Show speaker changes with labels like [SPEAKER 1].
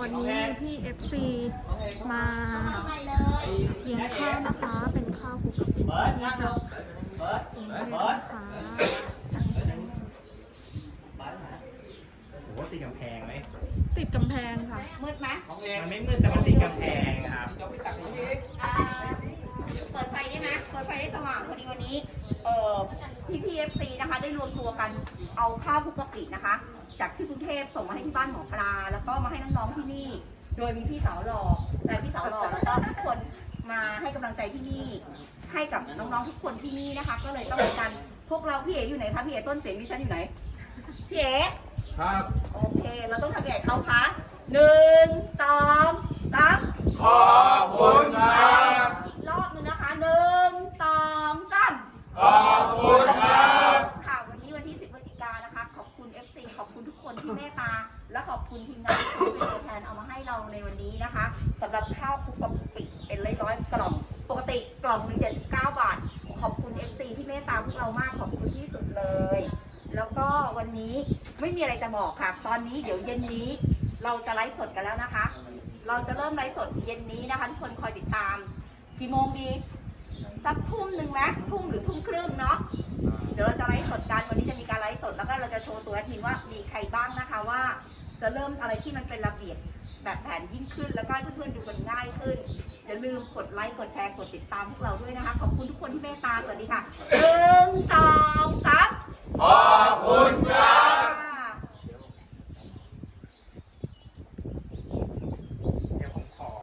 [SPEAKER 1] วันนี้มีพี่FC มาเลี้ยงข้าวนะคะ เป็นข้าวคลุกกะปิที่จะกรุงเทพนะคะ
[SPEAKER 2] โอ้โหติดกำแพงไหม
[SPEAKER 1] ติดกำแพงค่ะ
[SPEAKER 3] มืดไหม
[SPEAKER 2] มันไม่มืดแต่มันติดกำแพงครับ
[SPEAKER 3] เปิดไฟได้ไหมเปิดไฟได้สว่างพอดีวันนี้พี่พีเอฟซีนะคะได้รวมตัวกันเอาข้าวคลุกกะปินะคะ จากที่กรุงเทพส่งมาให้ที่บ้านหมอปลาแล้วก็มาให้น้องๆที่นี่ โดยมีพี่สาวหล่อและพี่สาวหล่อแล้วก็ทุกคนมาให้กำลังใจที่นี่ ให้กับน้องๆทุกคนที่นี่นะคะ ก็เลยต้องการพวกเราพี่เอ๋อยู่ไหนคะพี่เอ๋ต้นเสียงดิฉันอยู่ไหนพี่เอ๋
[SPEAKER 4] ครับ
[SPEAKER 3] โอเคเราต้องทำยังไงเขาคะ1 2 3
[SPEAKER 4] ขอบคุณครับ
[SPEAKER 3] อีกรอบนึงนะคะ1 2 3
[SPEAKER 4] ขอบคุณครับ
[SPEAKER 3] ค่ะวันนี้วันที่10 พฤศจิกายนนะคะ ขอบคุณ FC ขอบคุณทุกคนที่เมตตาและขอบคุณทีมงานที่เป็นตัวแทนเอามาให้เราในวันนี้นะคะสำหรับข้าวคลุกกะปิเป็นร้อยๆกล่องปกติกล่องหนึ่ง79 บาท ขอบคุณ FC ที่เมตตาพวกเรามากขอบคุณที่สุดเลย แล้วก็วันนี้ไม่มีอะไรจะบอกค่ะ ตอนนี้เดี๋ยวเย็นนี้เราจะไลฟ์สดกันแล้วนะคะ เราจะเริ่มไลฟ์สดเย็นนี้นะคะทุกคนคอยติดตามกี่โมงดีสักทุ่มหนึ่งไหมทุ่มหรือทุ่มครึ่งเนาะเดี๋ยวเราจะไลฟ์สดกันวันนี้จะมีการไลฟ์สดแล้วก็เราจะโชว์ตัวแอดมินว่ามีใครบ้างนะคะว่าจะเริ่มอะไรที่มันเป็นระเบียบแบบแผนยิ่งขึ้นแล้วก็ให้เพื่อนๆดูกันง่ายขึ้นอย่าลืมกดไลค์กดแชร์กดติดตามพวกเราด้วยนะคะขอบคุณทุกคนที่เมตตาสวัสดีค่ะ1 2 3
[SPEAKER 4] ขอบคุณครับ